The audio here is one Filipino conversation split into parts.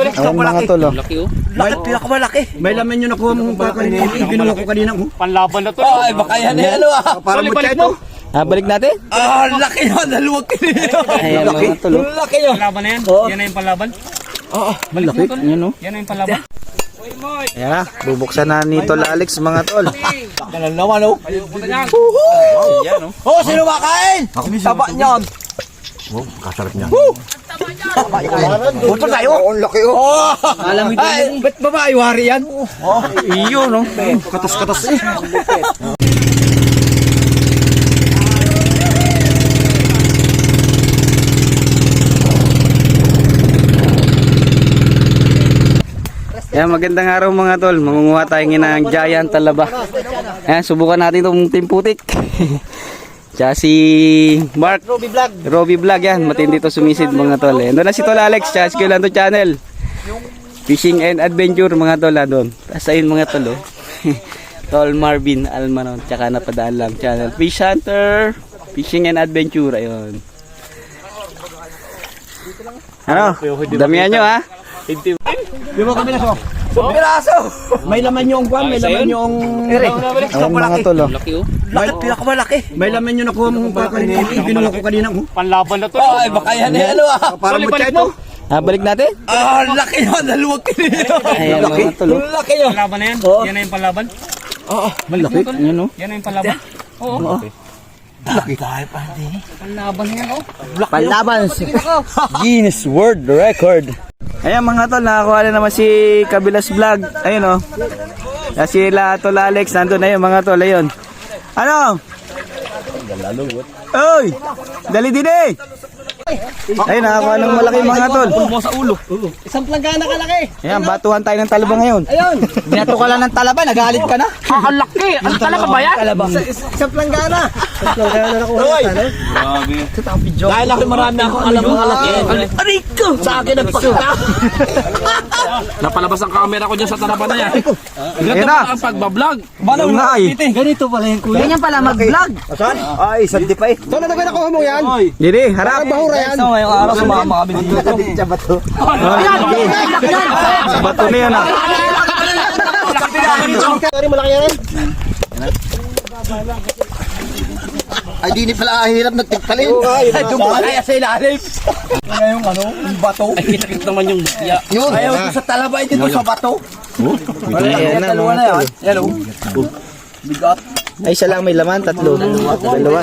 Ayan mga tol, oh. Laki oh. Pinakamalaki. May laman yun nakuha mong kinuha ko kanina. Panlaban na to. Ay, baka yan eh, ano ah. Para mo Balik mo. balik natin? Laki yun, dalawang kilo. Ayan mga tol, oh. Laki yun. Panlaban na yan. Yan na yung panlaban. Malaki. Ayan, oh. Yan na yung panlaban. Ayan na, bubuksan na ni Tol Alex mga tol. Ganun naman oh. Yan oh. Oh, sino makain? Taba niyan. Kasarap niya. Puto tayo. Ang laki oh. Alam mo Ay, ba't babae wari yan? Iyo, no? Katas-katas eh. Ayan, magandang araw mga tol. Mangunguha tayo ng giant talaba. Ayan, subukan natin itong timputik. Tsaka si Mark Robbie Vlog yan. Matindi to sumisid mga tol. Doon na si Tol Alex. Tsaka si Kulanto Channel. Fishing and Adventure mga tol. Doon. Tapos ayun mga tol. Oh. Tol Marvin Almanon. Tsaka napadaan lang channel. Fish Hunter. Fishing and Adventure. Ayun. Ano? Damihan nyo ha. Di ba kami naso? Piraso! May laman yung kwan. May laman yung... Ayun mga tol. Oh. Laki oh. Pinakamalaki. May laman yung nakuha mong kinuha ko kanina. Panlaban na to. Ay, baka yan eh, ano ah. Para mo Balik mo. balik natin? Laki yun, dalawang kilo. Ayan mga tol. Oh. Laki yun. Panlaban na yan. Yan na yung panlaban. Malaki. Ayan oh. Yan na yung panlaban. Oo. Laki tayo pa din. Panlaban na yan oh. Panlaban. Guinness World Record. Ayan mga tol, nakakuha na naman si Kabilas Vlog. Ayun oh. Si Tol Alex, nandun na yun mga tol. Ayun. Ano? Oy! Dali din eh! Ayun, nakakuha ng malaki mga tol. Pulmo sa ulo. Isang planggana kalaki. Ayan, batuhan tayo ng talaba ngayon. Ayun. Binato ka lang ng talaba, nagalit ka na. Ang laki. Ang talaba ba yan? Isang planggana. Isang planggana na nakuha na sana. Dahil ako marami akong alam mga laki. Ariko! Sa akin nagpakita. Napalabas ang camera ko dyan sa talaba na yan. Ayan na. Ang pagbablog. Yung nga eh. Ganito pala yung kuya. Ganyan pala mag-vlog. Saan? Ay, isang di pa eh. Saan na nakuha mo yan? Dili, harap. yan. So, ngayong araw sumama kami dito. Sa bato. Sa bato na yan ah. Sorry, malaki yan eh. Ay, di ni pala hirap nagtigtalin. Ay, kaya sa ilalim. Ngayong ano, yung bato. Ay, kita naman yung bukya. Yun. Ayaw ko sa talaba ito sa bato. Ayan na mga tol. Hello. Bigat. Ay, isa lang may laman, tatlo. Dalawa.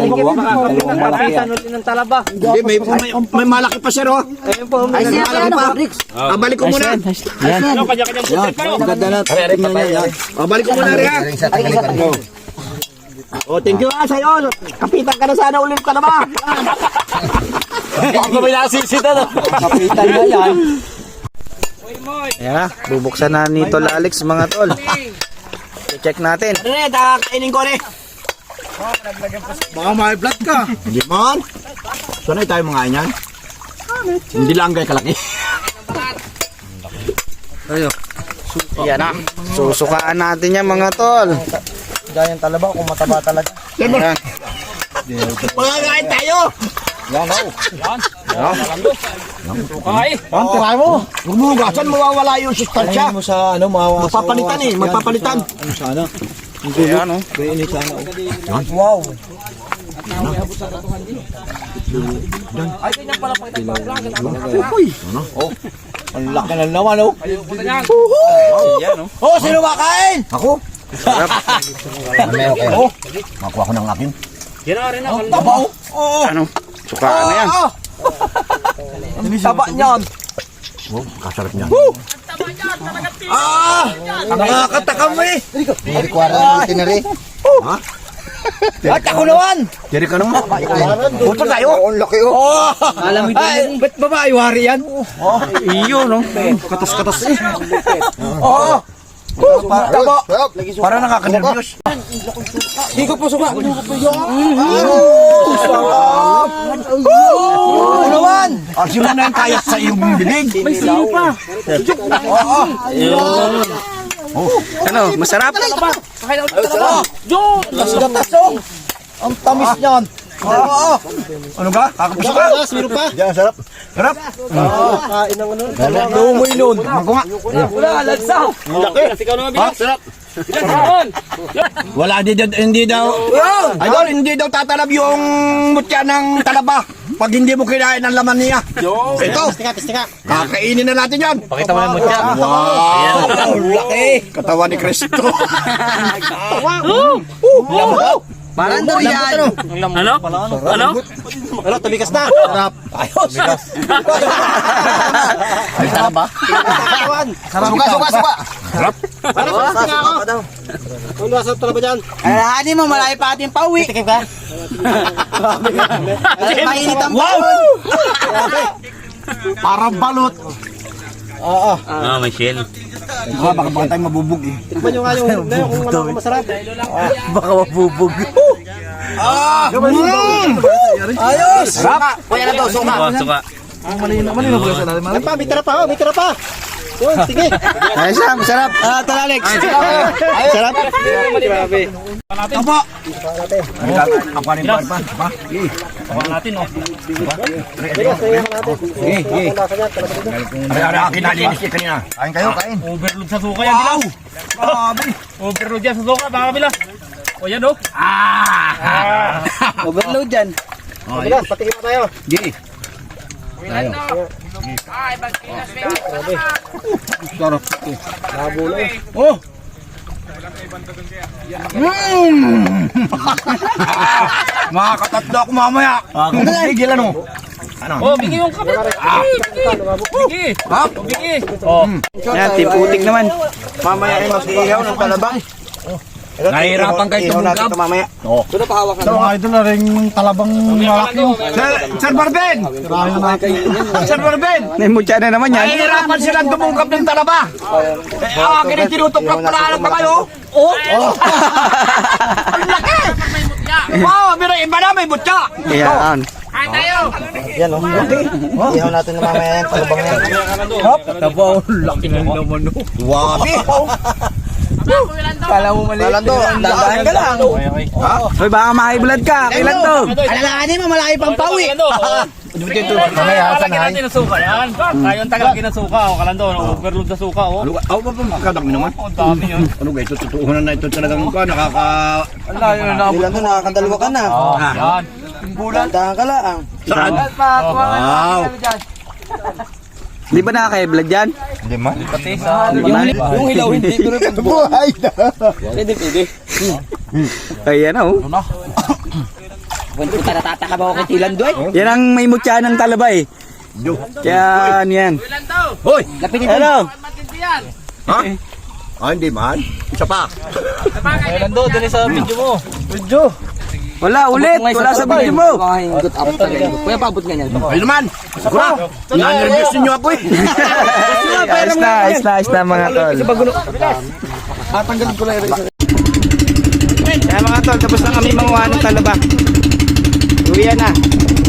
Hindi, may malaki pa siya, oh. Ay, siya pa. Balik ko muna. Yan. Kanya-kanyang putik pa. Ang ganda na. Tingnan niya. Balik ko muna rin, ha. Oh, thank you, sa'yo. Kapitan ka na sana, ulit ka na ba? Baka may nasisita na. Kapitan na yan. Ayan na, bubuksan na ni Tol Alex mga tol. Check natin. Ano na, kainin ko rin. Baka may blood ka. Hindi man. Sanay tayo mga yan. Hindi lang kay kalaki. Ayan na, susukaan natin yan mga tol. Ganyan talaba kung mataba talaga. Ayan. Magkakain tayo. Yan, oh. Ay. Tirahin mo. Huwag mo hugasan, mawawala yung sustansya. mo sa ano, mawa sa Magpapalitan eh, magpapalitan. ano sana. Ayan o. Kainit sana. Wow. Uy. Oh. Ang laki na naman, oh. Ayan o. Oh, sino makain? Ako. Oh. Makuha ko ng akin. Yan na rin ako. Tabaw. Oo. Ano? Sukaan na yan. Ang taba niyan. Oh, kasarap niya. Nakakatakam eh. Hindi ko aral ng tinari. At ako naman. Diri ka naman. Puto tayo. Ang laki oh. Alam mo din. Ba't babae wari yan? Iyo no. Katas-katas eh. Oo. Taba. Para nakaka-nervyos. Hindi ko po suka. Naman. Asin mo na yung kayat sa iyong bilig. May sino pa. Ano? Masarap? Gatas oh. Ang tamis niyan. Oo. Ano ka? Kakapusok ka? Meron pa. Diyan, sarap. Sarap. Kain ng ano. Lumoy nun. Ako nga. Wala, lagsaw. Laki. Ikaw naman bilang. Sarap. Bilang. Wala, hindi daw. Idol, hindi daw tatalab yung mutya ng talaba. Pag hindi mo kinain ang laman niya. Ito. Pistika. Kakainin na natin yan. Pakita mo lang mo dyan. Wow. Laki. Katawan ni Cristo. Parang daw yan. Ano? Ano? Ano, tumikas na. Sarap. Ayos. Ay, sarap ba? Suka. Parang pistika ako. Ano nasa talaba dyan? Alahani mo, malayo pa ating pauwi. Tikip ka? Mainit ang Wow. Parang balot. Oo. Ah, may shell. Baka tayo mabubog eh. Tikman nyo nga yung kung ano masarap. baka mabubog. Ayos. Sarap. Kuya na daw, suka. Suka. Ay pa, may tira pa. May tira pa. Yun, sige. Ayos na, masarap. Ito na, Alex. Sarap. Grabe. Apo. Ako rin pa. Tawa natin, oh. Ay, akin nalinis niya kanina. Kain kayo, kain. Overload sa suka yan, Dilaw. Grabe. Overload yan sa suka, baka kabila. O yan, oh. Overload dyan. Bilas, patikin mo tayo. Di. Sarap. Nabulo eh. Oh. Makakatatlo ako mamaya. Tigil ano? Ano? Oh, bigay yung kape. Bigay. Ha? Bigay. Oh. Yan, timputik naman. Mamaya ay mag-iihaw ng talabang. Nahihirapan kayo Ihaw natin tumugab. ito mamaya. Sa mga idol na rin talabang malaki. Sir Barben! Sir Barben! May mutya na naman yan. Nahihirapan silang tumugab ng talaba. Akin ang tinutuklap pala alam pa kayo. Oh! Ang laki! Wow, pero iba na may butya. Yan. Yan o. Ihaw natin na mamaya yan. Talabang yan. Laki ng laman no. Wabi! Kala mo mali. Lalando, Dandaan ka lang. Hoy, baka maki-blood ka. Kailan to? Alahani mo, malayo pang pauwi. Mamaya, hasan na. Natin ang suka yan. Tayo ang tagalagin ng suka. O, kalando. Overload sa suka, oh. Ano ba makakadami naman? Oh, dami yun. Ano guys, tutuunan na ito talagang pa, nakaka... Lalando, nakakadalwa ka na. Yan. Dandahan ka lang. Saan? Wow! Di ba nakaka-blood yan? Hindi man. Yung hilaw, hindi ko rin Buhay na. pwede. Ayan oh. Punta natataka ba ako kay Tilando eh? Yan ang may mutya ng talaba eh. Kaya ano yan. Hoy! Lapitin mo. Hello. Ha? Ah, hindi man. Isa pa. Kalando, dali sa video mo. Wala ulit. Wala sa video mo. Good up talaga. Kuya, paabot nga niyan. Ayun naman. Sakura. Nannervyos ninyo ako eh. Ayos na mga tol. Tatanggalin ko lang yung Kaya mga tol, tapos na kami manguha ng talaba. Uwi na.